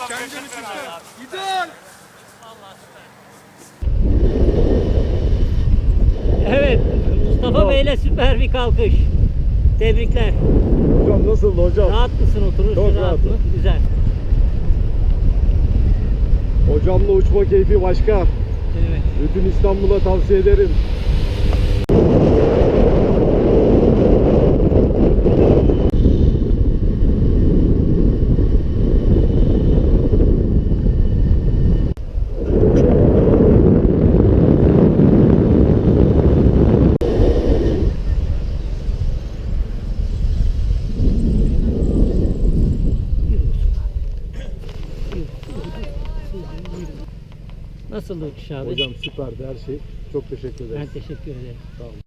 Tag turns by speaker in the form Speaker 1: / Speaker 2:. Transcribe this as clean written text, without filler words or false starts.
Speaker 1: Kendini çıktı. İdol.
Speaker 2: Evet, Mustafa Bey'le süper bir kalkış. Tebrikler.
Speaker 3: Hocam nasıldı hocam?
Speaker 2: Rahat mısın, oturursun
Speaker 3: Çok
Speaker 2: rahat
Speaker 3: rahatım.
Speaker 2: mı? Güzel.
Speaker 3: Hocamla uçma keyfi başka.
Speaker 2: Evet.
Speaker 3: Bütün İstanbul'a tavsiye ederim.
Speaker 2: Nasıldı uçuş abi?
Speaker 3: Hocam süperdi her şey. Çok teşekkür ederiz.
Speaker 2: Ben teşekkür ederim.
Speaker 3: Sağ olun.